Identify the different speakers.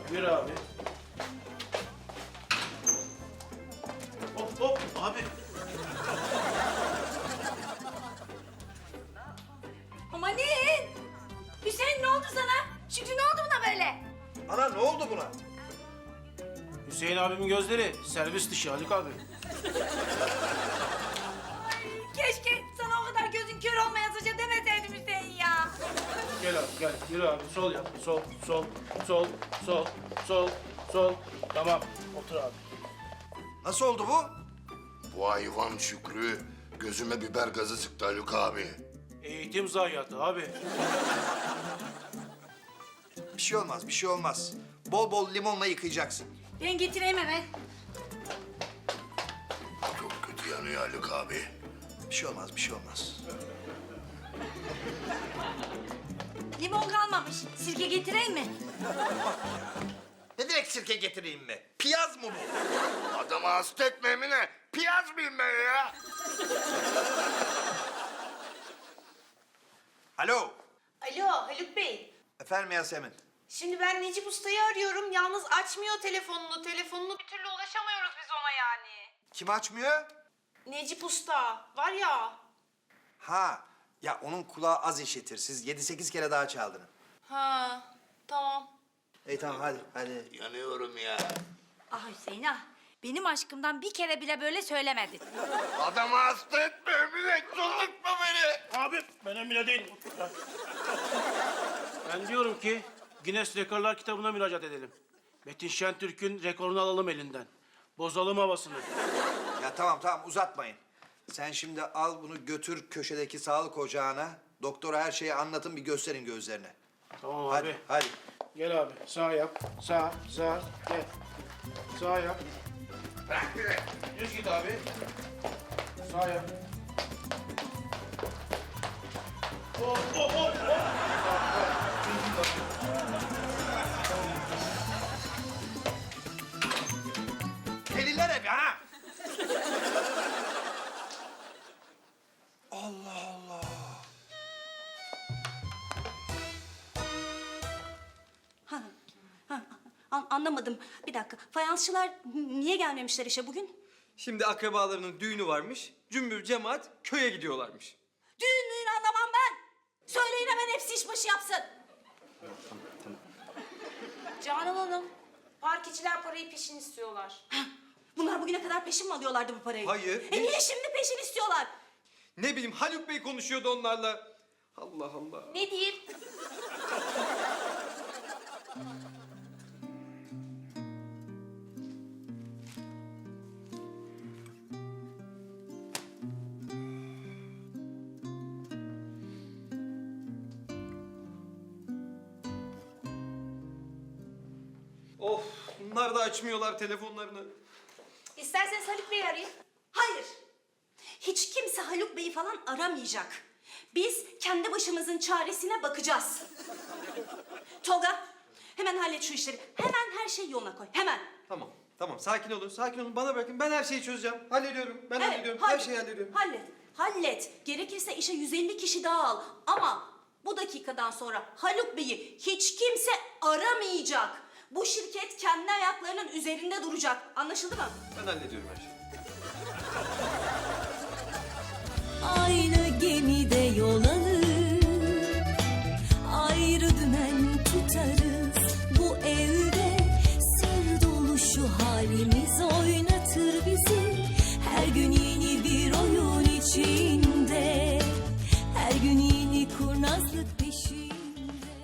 Speaker 1: Yürü abi. Hop hop abi.
Speaker 2: Amanin! Hüseyin ne oldu sana? Şükrü ne oldu buna böyle?
Speaker 3: Ana ne oldu buna?
Speaker 1: Hüseyin abimin gözleri servis dışı Haluk abi.
Speaker 2: Keşke sana o kadar gözün kör olmayasıca demeseydim Hüseyin ya.
Speaker 1: Gel abi gel. Yürü abi. Sol yap. Sol, sol, sol, sol, sol, sol. Tamam. Otur abi.
Speaker 3: Nasıl oldu bu?
Speaker 4: Bu hayvan Şükrü gözüme biber gazı sıktı Haluk abi.
Speaker 1: Eğitim zayiatı abi.
Speaker 3: Bir şey olmaz, bir şey olmaz. Bol bol limonla yıkayacaksın.
Speaker 2: Ben getireyim hemen.
Speaker 4: Çok kötü yanıyor Haluk abi.
Speaker 3: Bir şey olmaz, bir şey olmaz.
Speaker 2: Limon kalmamış. Sirke getireyim mi?
Speaker 3: Ne demek sirke getireyim mi? Piyaz mı bu?
Speaker 4: Adamı hasta etme Emine. Piyaz mıyım ben ya?
Speaker 3: Alo.
Speaker 5: Alo Haluk Bey.
Speaker 3: Efendim Yasemin.
Speaker 5: Şimdi ben Necip Usta'yı arıyorum. Yalnız açmıyor telefonunu. Telefonunu bir türlü ulaşamıyoruz biz ona yani.
Speaker 3: Kim açmıyor?
Speaker 5: Necip Usta var ya.
Speaker 3: Ha. Ya onun kulağı az işitir. Siz 7-8 kere daha çaldın.
Speaker 5: Ha tamam.
Speaker 3: İyi tamam hadi, hadi.
Speaker 4: Yanıyorum ya.
Speaker 2: Ah Hüseyin ah. Benim aşkımdan bir kere bile böyle söylemedin.
Speaker 4: Adamı hasta etme Emine. Çıldırtma beni.
Speaker 1: Abi ben Emine değilim. Ben diyorum ki Guinness Rekorlar kitabına müracaat edelim. Metin Şentürk'ün rekorunu alalım elinden. Bozalım havasını.
Speaker 3: Ya tamam tamam uzatmayın. Sen şimdi al bunu götür köşedeki sağlık ocağına. Doktora her şeyi anlatın bir gösterin gözlerine.
Speaker 1: Tamam abi.
Speaker 3: Hadi, hadi.
Speaker 1: Gel abi. Sağ yap. Sağ, sağ. Gel. Sağ yap.
Speaker 4: Bırak beni.
Speaker 1: Düz git abi. Sağ yap. Hop hop hop hop.
Speaker 3: Deliler hep ha! Allah Allah.
Speaker 6: Anlamadım. Bir dakika. Fayansçılar niye gelmemişler işe bugün?
Speaker 7: Şimdi akrabalarının düğünü varmış. Cümbür cemaat köye gidiyorlarmış.
Speaker 6: Düğün anlamam ben. Söyleyin hemen hepsi işbaşı yapsın.
Speaker 5: Canan Hanım. Park parayı peşin istiyorlar.
Speaker 6: Bunlar bugüne kadar peşin mi alıyorlardı bu parayı?
Speaker 7: Hayır.
Speaker 6: Niye şimdi peşin istiyorlar?
Speaker 7: Ne bileyim Haluk Bey konuşuyordu onlarla. Allah Allah.
Speaker 5: Ne diyeyim?
Speaker 7: Of bunlar da açmıyorlar telefonlarını.
Speaker 5: İsterseniz Haluk Bey'i arayın.
Speaker 6: Hayır. Hiç kimse Haluk Bey'i falan aramayacak. Biz kendi başımızın çaresine bakacağız. Tolga, hemen hallet şu işleri. Hemen her şeyi yoluna koy. Hemen.
Speaker 7: Tamam tamam sakin olun sakin olun bana bırakın ben her şeyi çözeceğim. Hallediyorum ben hallediyorum her
Speaker 6: hallet,
Speaker 7: şeyi hallediyorum.
Speaker 6: Hallet, hallet. Gerekirse işe 150 kişi daha al. Ama bu dakikadan sonra Haluk Bey'i hiç kimse aramayacak. Bu şirket kendi ayaklarının üzerinde duracak. Anlaşıldı mı?
Speaker 7: Ben hallediyorum her şeyi.
Speaker 8: Aynı gemide yol alır, ayrı dümen tutarız. Bu evde sır dolu şu halimiz oynatır bizi. Her gün yeni